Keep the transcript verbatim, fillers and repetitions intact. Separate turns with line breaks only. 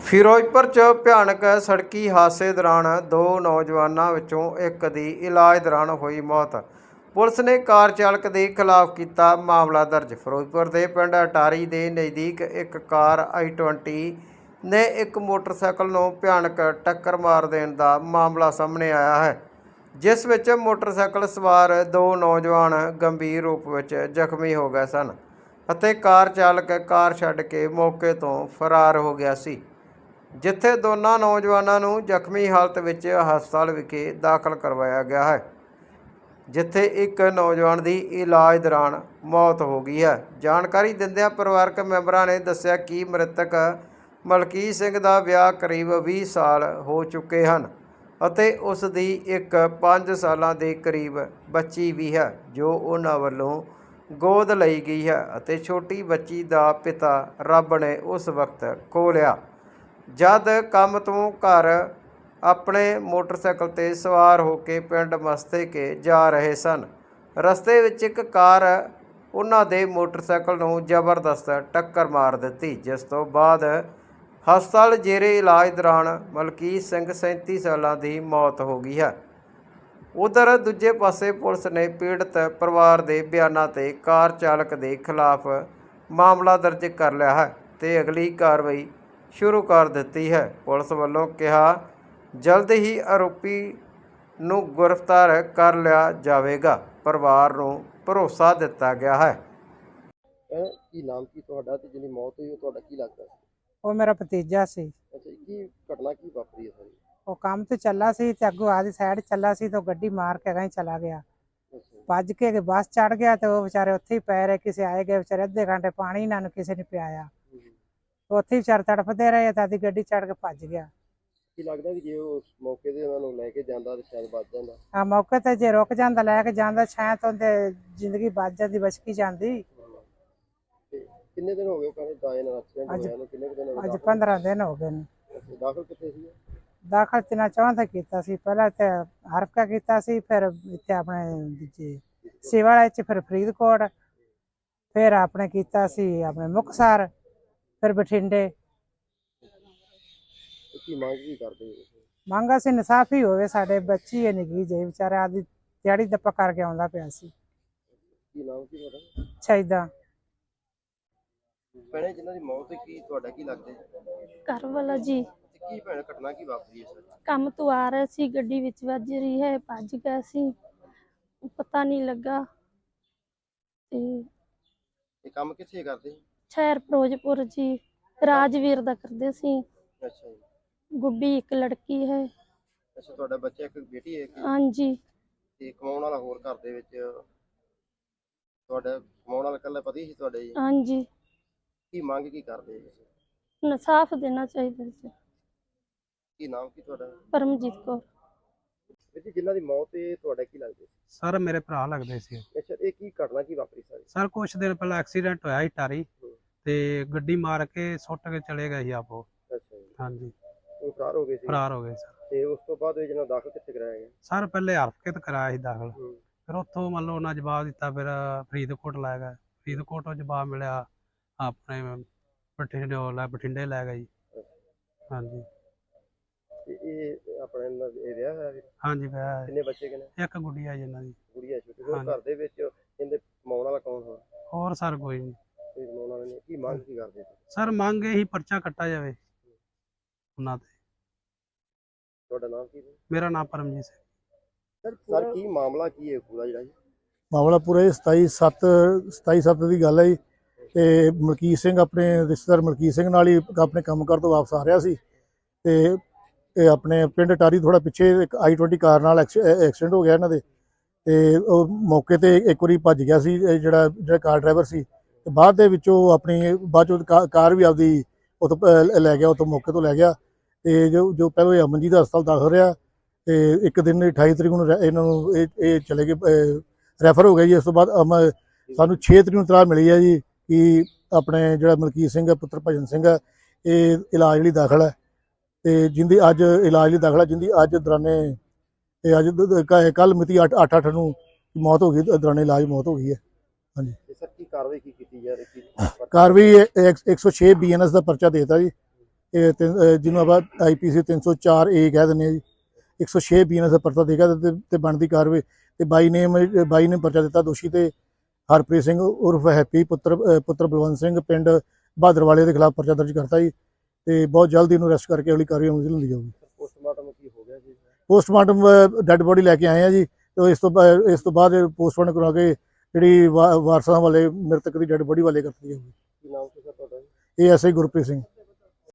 ਫਿਰੋਜ਼ਪੁਰ 'ਚ ਭਿਆਨਕ ਸੜਕੀ ਹਾਦਸੇ ਦੌਰਾਨ ਦੋ ਨੌਜਵਾਨਾਂ ਵਿੱਚੋਂ ਇੱਕ ਦੀ ਇਲਾਜ ਦੌਰਾਨ ਹੋਈ ਮੌਤ। ਪੁਲਿਸ ਨੇ ਕਾਰ ਚਾਲਕ ਦੇ ਖਿਲਾਫ ਕੀਤਾ ਮਾਮਲਾ ਦਰਜ। ਫਿਰੋਜ਼ਪੁਰ ਦੇ ਪਿੰਡ ਅਟਾਰੀ ਦੇ ਨਜ਼ਦੀਕ ਇੱਕ ਕਾਰ ਆਈ ਟਵੰਟੀ ਨੇ ਇੱਕ ਮੋਟਰਸਾਈਕਲ ਨੂੰ ਭਿਆਨਕ ਟੱਕਰ ਮਾਰ ਦੇਣ ਦਾ ਮਾਮਲਾ ਸਾਹਮਣੇ ਆਇਆ ਹੈ, ਜਿਸ ਵਿੱਚ ਮੋਟਰਸਾਈਕਲ ਸਵਾਰ ਦੋ ਨੌਜਵਾਨ ਗੰਭੀਰ ਰੂਪ ਵਿੱਚ ਜ਼ਖਮੀ ਹੋ ਗਏ ਸਨ ਅਤੇ ਕਾਰ ਚਾਲਕ ਕਾਰ ਛੱਡ ਕੇ ਮੌਕੇ ਤੋਂ ਫਰਾਰ ਹੋ ਗਿਆ ਸੀ, ਜਿੱਥੇ ਦੋਨਾਂ ਨੌਜਵਾਨਾਂ ਨੂੰ ਜ਼ਖਮੀ ਹਾਲਤ ਵਿੱਚ ਹਸਪਤਾਲ ਵਿਖੇ ਦਾਖਲ ਕਰਵਾਇਆ ਗਿਆ ਹੈ, ਜਿੱਥੇ ਇੱਕ ਨੌਜਵਾਨ ਦੀ ਇਲਾਜ ਦੌਰਾਨ ਮੌਤ ਹੋ ਗਈ ਹੈ। ਜਾਣਕਾਰੀ ਦਿੰਦਿਆਂ ਪਰਿਵਾਰਕ ਮੈਂਬਰਾਂ ਨੇ ਦੱਸਿਆ ਕਿ ਮ੍ਰਿਤਕ ਮਲਕੀਤ ਸਿੰਘ ਦਾ ਵਿਆਹ ਕਰੀਬ ਵੀਹ ਸਾਲ ਹੋ ਚੁੱਕੇ ਹਨ ਅਤੇ ਉਸ ਦੀ ਇੱਕ ਪੰਜ ਸਾਲਾਂ ਦੇ ਕਰੀਬ ਬੱਚੀ ਵੀ ਹੈ, ਜੋ ਉਹਨਾਂ ਵੱਲੋਂ ਗੋਦ ਲਈ ਗਈ ਹੈ ਅਤੇ ਛੋਟੀ ਬੱਚੀ ਦਾ ਪਿਤਾ ਰੱਬ ਨੇ ਉਸ ਵਕਤ ਖੋਹ ਲਿਆ, ਜਦ ਕੰਮ ਤੋਂ ਘਰ ਆਪਣੇ ਮੋਟਰਸਾਈਕਲ 'ਤੇ ਸਵਾਰ ਹੋ ਕੇ ਪਿੰਡ ਮਸਤੇਕੇ ਜਾ ਰਹੇ ਸਨ। ਰਸਤੇ ਵਿੱਚ ਇੱਕ ਕਾਰ ਉਹਨਾਂ ਦੇ ਮੋਟਰਸਾਈਕਲ ਨੂੰ ਜ਼ਬਰਦਸਤ ਟੱਕਰ ਮਾਰ ਦਿੱਤੀ, ਜਿਸ ਤੋਂ ਬਾਅਦ ਹਸਪਤਾਲ ਜੇਰੇ ਇਲਾਜ ਦੌਰਾਨ ਮਲਕੀਤ ਸਿੰਘ ਸੈਂਤੀ ਸਾਲਾਂ ਦੀ ਮੌਤ ਹੋ ਗਈ ਹੈ। ਉਧਰ ਦੂਜੇ ਪਾਸੇ ਪੁਲਿਸ ਨੇ ਪੀੜਤ ਪਰਿਵਾਰ ਦੇ ਬਿਆਨਾਂ 'ਤੇ ਕਾਰ ਚਾਲਕ ਦੇ ਖਿਲਾਫ ਮਾਮਲਾ ਦਰਜ ਕਰ ਲਿਆ ਹੈ ਅਤੇ ਅਗਲੀ ਕਾਰਵਾਈ ਸ਼ੁਰੂ ਕਰ ਦਿੱਤੀ ਹੈ। ਪੁਲਿਸ ਵੱਲੋਂ ਕਿਹਾ ਜਲਦ ਹੀ ਆਰੋਪੀ ਨੂੰ ਗ੍ਰਿਫਤਾਰ ਕਰ ਲਿਆ ਜਾਵੇਗਾ। ਪਰਿਵਾਰ ਨੂੰ ਭਰੋਸਾ ਦਿੱਤਾ ਗਿਆ ਹੈ।
ਕੀ ਨਾਮ ਕੀ ਤੁਹਾਡਾ ਤੇ ਜਿਹਦੀ ਮੌਤ ਹੋਈ ਉਹ ਤੁਹਾਡਾ ਕੀ ਲੱਗਦਾ ਸੀ?
ਉਹ ਮੇਰਾ ਭਤੀਜਾ ਸੀ।
ਅੱਛਾ, ਕੀ ਘਟਨਾ ਕੀ ਵਾਪਰੀ ਹੈ ਸਾਰੀ?
ਉਹ ਕੰਮ ਤੇ ਚੱਲਾ ਸੀ ਤੇ ਅੱਗੋਂ ਆਦੀ ਸਾਈਡ ਚੱਲਾ ਸੀ ਤੇ ਗੱਡੀ ਮਾਰ ਕੇ ਗਈ ਚਲਾ ਗਿਆ। ਭੱਜ ਕੇ ਬੱਸ ਚੜ ਗਿਆ ਤੇ ਉਹ ਵਿਚਾਰੇ ਉੱਥੇ ਹੀ ਪੈ ਰਹੇ। ਕਿਸੇ ਆਏ ਗਏ ਵਿਚਾਰੇ ਅੱਧੇ ਘੰਟੇ ਪਾਣੀ ਇਹਨਾਂ ਨੂੰ ਕਿਸੇ ਨੇ ਪਿਆਇਆ। ਉੱਥੇ ਵਿਚਾਰੇ ਤੜਫਦੇ ਰਹੇ ਤਾਂ ਆਦੀ ਗੱਡੀ ਚੜ ਕੇ ਭੱਜ ਗਿਆ।
ਕੀ ਲੱਗਦਾ ਕਿ ਜੇ ਉਸ ਮੌਕੇ ਤੇ ਉਹਨਾਂ ਨੂੰ ਲੈ ਕੇ ਜਾਂਦਾ ਤਾਂ ਸ਼ਾਇਦ ਬਚ ਜਾਂਦਾ?
ਹਾਂ, ਮੌਕੇ ਤੇ ਜੇ ਰੁਕ ਜਾਂਦਾ ਲੈ ਕੇ ਜਾਂਦਾ ਸ਼ਾਇਦ ਉਹਦੇ ਜ਼ਿੰਦਗੀ ਬਚ ਜਾਂਦੀ, ਬਚਕੀ ਜਾਂਦੀ।
ਕਿੰਨੇ ਦਿਨ ਹੋ ਗਏ ਕਹਿੰਦੇ ਦਾਏ ਨਾਲ ਐਕਸੀਡੈਂਟ ਹੋਇਆ ਨੂੰ? ਕਿੰਨੇ ਦਿਨ ਹੋ ਗਏ?
ਅੱਜ ਪੰਦਰਾਂ ਦਿਨ ਹੋ ਗਏ ਨੇ।
ਦਾਖਲ ਕਿੱਥੇ ਸੀ?
ਦਾਖਲ ਤਿੰਨਾਂ ਚੌਹਾਂ ਤੇ ਕੀਤਾ ਸੀ। ਪਹਿਲਾਂ ਤੇ ਹਰਫਕਾ ਕੀਤਾ ਸੀ, ਫਿਰ ਇੱਥੇ ਆਪਣੇ ਦੂਜੇ ਸਿਵਾਲਾ 'ਚ, ਫਿਰ ਫਰੀਦਕੋਟ, ਫਿਰ ਆਪਣੇ ਕੀਤਾ ਸੀ ਆਪਣੇ ਮੁਕਤਸਰ, ਫਿਰ ਬਠਿੰਡੇ।
ਕੀ ਮੰਗ ਕੀ ਕਰਦੇ?
ਮੰਗ ਅਸੀਂ ਇਨਸਾਫ ਹੀ ਹੋਵੇ। ਸਾਡੇ ਬੱਚੀ ਹੈ ਨਿੱਕੀ ਜਿਹੀ, ਵਿਚਾਰਾ ਆਦੀ ਦਿਹਾੜੀ ਦੱਪਾ ਕਰਕੇ ਆਉਂਦਾ ਪਿਆ ਸੀ।
ਕੀ ਨਾਮ ਕੀ ਤੁਹਾਡਾ?
ਸ਼ਹੀਦਾਂ
ਭੈਣੇ ਜਿਨ੍ਹਾਂ ਦੀ ਮੌਤ ਹੋਈ, ਕੀ ਤੁਹਾਡਾ ਕੀ ਲੱਗਦਾ?
ਘਰ ਵਾਲਾ ਜੀ।
ਕੀ ਭੈਣ ਘਟਨਾ ਕੀ ਵਾਪਰੀ ਹੈ?
ਕੰਮ ਤੋਂ ਆ ਰਹੇ ਸੀ, ਗੱਡੀ ਵਿੱਚ ਵੱਜ ਰਹੀ ਹੈ, ਭੱਜ ਗਏ ਸੀ, ਪਤਾ ਨਹੀਂ ਲੱਗਾ। ਤੇ
ਇਹ ਕੰਮ ਕਿੱਥੇ ਕਰਦੇ?
ਸ਼ਹਿਰ ਫਿਰੋਜ਼ਪੁਰ ਜੀ, ਰਾਜਵੀਰ ਦਾ ਕਰਦੇ ਸੀ।
ਅੱਛਾ ਜੀ।
ਗੁੱਡੀ ਇੱਕ ਲੜਕੀ ਹੈ।
ਅੱਛਾ, ਤੁਹਾਡਾ ਬੱਚਾ ਇੱਕ ਬੇਟੀ ਹੈ?
ਹਾਂਜੀ।
ਤੇ ਕਮਾਉਣ ਵਾਲਾ ਹੋਰ ਘਰ ਦੇ ਵਿੱਚ ਤੁਹਾਡਾ ਕਮਾਉਣ ਵਾਲਾ ਇਕੱਲਾ ਪਤੀ ਸੀ ਤੁਹਾਡੇ ਜੀ?
ਹਾਂਜੀ।
ਕੀ ਮੰਗ ਕੀ ਕਰਦੇ?
ਇਨਸਾਫ ਦੇਣਾ ਚਾਹੀਦਾ ਜੀ।
ਕੀ ਨਾਮ ਕੀ ਤੁਹਾਡਾ?
ਪਰਮਜੀਤ ਕੌਰ।
ਜੀ ਜਿਨ੍ਹਾਂ ਦੀ ਮੌਤ ਹੈ ਤੁਹਾਡਾ ਕੀ ਲੱਗਦਾ?
ਸਰ ਮੇਰੇ ਭਰਾ ਲੱਗਦੇ ਸੀ।
ਅੱਛਾ, ਇਹ ਕੀ ਘਟਨਾ ਕੀ ਵਾਪਰੀ ਸਾਰੀ?
ਸਰ ਕੁਛ ਦਿਨ ਪਹਿਲਾਂ ਐਕਸੀਡੈਂਟ ਹੋਇਆ ਸੀ ਟਾਰੀ ਤੇ ਗੱਡੀ ਮਾਰ ਕੇ ਸੁੱਟ ਕੇ ਚਲੇ ਗਏ ਸੀ ਆਪੋ।
ਅੱਛਾ ਜੀ।
ਹਾਂਜੀ,
ਉਹ ਫਰਾਰ ਹੋ ਗਏ ਸੀ?
ਫਰਾਰ ਹੋ ਗਏ ਸਰ।
ਤੇ ਉਸ ਤੋਂ ਬਾਅਦ ਇਹ ਜਿਹਨਾਂ ਦਾਖਲ ਕਿੱਥੇ ਕਰਾਇਆ ਗਿਆ?
ਸਰ ਪਹਿਲੇ ਹਰਫਕਤ ਕਰਾਇਆ ਸੀ ਦਾਖਲ, ਫਿਰ ਉੱਥੋਂ ਮੰਨ ਲਓ ਉਹਨਾਂ ਜਵਾਬ ਦਿੱਤਾ, ਫਿਰ ਫਰੀਦਕੋਟ ਲੈ ਗਏ। ਫਰੀਦਕੋਟੋਂ ਜਵਾਬ ਮਿਲਿਆ ਆਪਣੇ ਬਠਿੰਡੇ ਲੈ ਬਠਿੰਡੇ ਲੈ ਗਏ ਜੀ। ਹਾਂਜੀ।
ਤੇ ਇਹ ਆਪਣੇ ਇਹ ਵਿਆਹ ਹੋਇਆ ਵੀਰ?
ਹਾਂਜੀ ਵਿਆਹ।
ਕਿੰਨੇ ਬੱਚੇ ਕਿੰਨੇ?
ਇੱਕ ਗੁੱਡੀਆ ਜੀ ਇਹਨਾਂ ਦੀ।
ਗੁੜੀਆ ਛੋਟੀ। ਹੋਰ ਘਰ ਦੇ ਵਿੱਚ ਇਹਦੇ ਕਮਾਉਣ ਵਾਲਾ ਕੌਣ ਹੋਰ?
ਹੋਰ ਸਰ ਕੋਈ ਨਹੀਂ।
ਕੋਈ ਕਮਾਉਣ ਵਾਲਾ ਨਹੀਂ। ਕੀ ਮੰਗ ਕੀ ਕਰਦੇ?
ਸਰ ਮੰਗ ਇਹੀ ਪਰਚਾ ਕੱਟਾ ਜਾਵੇ ਉਹਨਾਂ ਤੇ।
ਤੁਹਾਡਾ ਨਾਮ ਕੀ?
ਮੇਰਾ ਨਾਮ ਪਰਮਜੀਤ ਸਿੰਘ।
ਸਰ ਕੀ ਮਾਮਲਾ ਕੀ ਹੈ ਪੂਰਾ ਜਿਹੜਾ ਜੀ?
ਮਾਮਲਾ ਪੂਰਾ ਇਹ ਸਤਾਈ ਸੱਤ ਸਤਾਈ ਸੱਤ ਦੀ ਗੱਲ ਹੈ ਜੀ। ਤੇ ਮਲਕੀਤ ਸਿੰਘ ਆਪਣੇ ਰਿਸ਼ਤੇਦਾਰ ਮਲਕੀਤ ਸਿੰਘ ਨਾਲ ਹੀ ਆਪਣੇ ਕੰਮ ਕਰ ਤੋਂ ਵਾਪਸ ਆ ਰਿਹਾ ਸੀ ਤੇ ਇਹ ਆਪਣੇ ਪਿੰਡ ਟਾਰੀ ਥੋੜਾ ਪਿੱਛੇ ਇੱਕ ਆਈ ਟਵੰਟੀ ਕਾਰ ਨਾਲ ਐਕਸੀਡੈਂਟ ਹੋ ਗਿਆ ਇਹਨਾਂ ਦੇ। ਤੇ ਉਹ ਮੌਕੇ ਤੇ ਇੱਕ ਵਾਰੀ ਭੱਜ ਗਿਆ ਸੀ ਜਿਹੜਾ ਜਿਹੜਾ ਕਾਰ ਡਰਾਈਵਰ ਸੀ, ਤੇ ਬਾਅਦ ਦੇ ਵਿੱਚੋਂ ਆਪਣੀ ਬਾਅਦ ਚੋਂ ਕਾਰ ਵੀ ਆਪਦੀ ਉੱਥੋਂ ਲੈ ਗਿਆ, ਉੱਥੋਂ ਮੌਕੇ ਤੋਂ ਲੈ ਗਿਆ। ਤੇ ਜੋ ਜੋ ਪਹਿਲਾਂ ਅਮਨਜੀਤ ਹਸਪਤਾਲ ਦਾਖਲ ਰਿਹਾ ਤੇ ਇੱਕ ਦਿਨ ਅਠਾਈ ਤਰੀਕ ਨੂੰ ਇਹਨਾਂ ਨੂੰ ਇਹ ਇਹ ਚਲੇ ਗਏ, ਰੈਫਰ ਹੋ ਗਿਆ ਜੀ। ਉਸ ਤੋਂ ਬਾਅਦ ਸਾਨੂੰ ਛੇ ਤਰੀਕ ਨੂੰ ਇਤਲਾਹ ਮਿਲੀ ਹੈ ਜੀ ਕਿ ਆਪਣੇ ਜਿਹੜਾ ਮਲਕੀਤ ਸਿੰਘ ਹੈ ਪੁੱਤਰ ਭਜਨ ਸਿੰਘ ਹੈ ਇਹ ਇਲਾਜ ਲਈ ਦਾਖਲ ਹੈ, ਤੇ ਜਿੰਦੀ ਅੱਜ ਇਲਾਜ ਲਈ ਦਾਖਲ ਹੈ, ਜਿੰਦੀ ਅੱਜ ਦੌਰਾਨੇ ਇਹ ਅੱਜ ਕੱਲ ਮਿਤੀ ਅੱਠ ਅੱਠ ਅੱਠ ਨੂੰ ਮੌਤ ਹੋ ਗਈ, ਦੌਰਾਨੇ ਇਲਾਜ ਮੌਤ ਹੋ ਗਈ ਹੈ। ਹਾਂਜੀ।
ਸਰ ਕੀ ਕਾਰਵਾਈ ਕੀ ਕੀਤੀ ਜਾ ਰਹੀ?
ਕਾਰਵਾਈ ਇੱਕ ਸੌ ਛੇ ਬੀ ਐਨ ਐਸ ਦਾ ਪਰਚਾ ਦੇਤਾ ਜੀ ਇਹ ਤਿੰਨ- ਅਹ ਜਿਹਨੂੰ ਆਪਾਂ ਆਈ ਪੀ ਸੀ ਤਿੰਨ ਸੌ ਚਾਰ ਏ ਕਹਿ ਦਿੰਦੇ ਹਾਂ ਜੀ, ਇੱਕ ਸੌ ਛੇ ਬੀ ਦਾ ਪਰਚਾ ਦੇਗਾ ਤੇ ਤੇ ਬਣਦੀ ਕਾਰਵਾਈ ਤੇ ਬਾਈ ਨੇਮ ਬਾਈ ਨੇ ਪਰਚਾ ਦਿੱਤਾ ਦੋਸ਼ੀ ਤੇ ਹਰਪ੍ਰੀਤ ਸਿੰਘ ਉਰਫ ਹੈਪੀ ਪੁੱਤਰ ਅਹ ਪੁੱਤਰ ਬਲਵੰਤ ਸਿੰਘ ਪਿੰਡ ਬਹਾਦਰਵਾਲੇ ਦੇ ਖਿਲਾਫ ਪਰਚਾ ਦਰਜ ਕਰਤਾ ਜੀ ਤੇ ਬਹੁਤ ਜਲਦੀ ਇਹਨੂੰ ਅਰੈਸਟ ਕਰਕੇ ਅਗਲੀ ਕਾਰਵਾਈ ਅਮਲ 'ਚ ਲਿਆਂਦੀ ਜਾਊਗੀ।
ਪੋਸਟਮਾਰਟਮ ਕੀ ਹੋ ਗਿਆ ਜੀ?
ਪੋਸਟਮਾਰਟਮ ਡੈੱਡ ਬੋਡੀ ਲੈ ਕੇ ਆਏ ਆ ਜੀ ਤੇ ਇਸ ਤੋਂ ਬਾ- ਇਸ ਤੋਂ ਬਾਅਦ ਪੋਸਟਮਾਰਟਮ ਕਰਵਾ ਕੇ ਜਿਹੜੀ ਵਾ- ਵਾਰਸਾਂ ਵਾਲੇ ਮ੍ਰਿਤਕ ਦੀ ਡੈੱਡ ਬੋਡੀ ਵਾਲੇ ਕਰਤੀ ਜਾਊਗੀ।
ਕੀ ਨਾਮ ਸੀ ਸਰ ਤੁਹਾਡਾ?
ਇਹ ਐਸ ਆਈ ਗੁਰਪ੍ਰੀਤ ਸਿੰਘ।